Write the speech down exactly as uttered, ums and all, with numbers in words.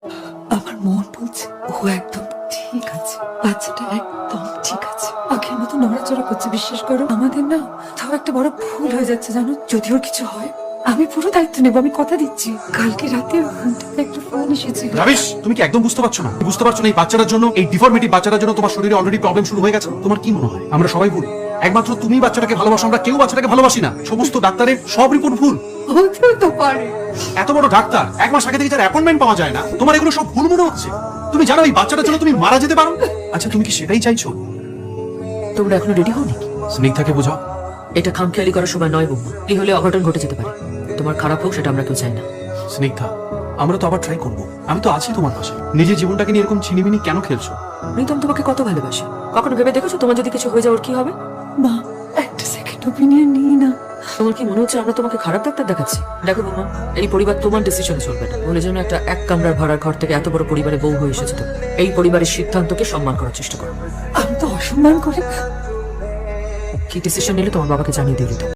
আমার মন বলছে ও একদম ঠিক আছে, বাচ্চাটা একদম ঠিক আছে, আগের মতো নড়াচড়া করছে। বিশ্বাস করো, আমাদের না তাও একটা বড় ভুল হয়ে যাচ্ছে জানো। যদি ওর কিছু হয় আমি পুরো দায়িত্ব নেবো, আমি কথা দিচ্ছি। কালকে রাতে ফোনটাতে একটা ফোন এসেছিল। রাবিশ, তুমি কি একদম বুঝতে পারছো না? বুঝতে পারছো না এই বাচ্চাটার জন্য, এই ডিফর্মিটি বাচ্চাটার জন্য তোমার শরীরে অলরেডি প্রবলেম শুরু হয়ে গেছে। তোমার কি মনে হয় আমরা সবাই ভুল? একমাত্র তুমি বাচ্চাটাকে ভালোবাসো, আমরা কেউ বাচ্চাটাকে ভালোবাসি না। সমস্ত ডাক্তারের সব রিপোর্ট ভুল। হতেও তো পারে। এত বড় ডাক্তার, এক মাস আগে থেকে যার অ্যাপয়েন্টমেন্ট পাওয়া যায় না, তোমার এগুলো সব ভুল মনে হচ্ছে? তুমি জানো এই বাচ্চাটার জন্য তুমি মারা যেতে পারো। আচ্ছা, তুমি কি সেটাই চাইছো? তোমরা এখনো রেডি হওনি? স্নিগ্ধাকে বোঝাও। এটা খামখেয়ালি করার সময় নয় বৌমা। কি হলে অঘটন ঘটে যেতে পারে। তোমার খারাপ হোক সেটা আমরা কেউ চাই না। স্নিগ্ধা, আমরা তো আবার ট্রাই করবো। আমি তো আছি তোমার পাশে। নিজের জীবনটাকে নিয়ে এরকম ছিনিমিনি কেন খেলছো? প্রীতম তোমাকে কত ভালোবাসে। কখনো ভেবে দেখেছো তোমার যদি কিছু হয়ে যায় ওর কি হবে? মা, একটা সেকেন্ড ওপিনিয়ন নিই না। তোমার কি মনে হচ্ছে আমরা তোমাকে খারাপ ডাক্তার দেখাচ্ছি? দেখো বৌমা, এই পরিবার তোমার ডিসিশন চলবে না। বলে যেন একটা এক কামরার ভাড়ার ঘর থেকে এত বড় পরিবারে বউ হয়ে এসেছে। তো এই পরিবারের সিদ্ধান্তকে সম্মান করার চেষ্টা করো। আমি তো অসম্মান করি। কি ডিসিশন নিলে তোমার বাবাকে জানিয়ে দিয়ে দিত।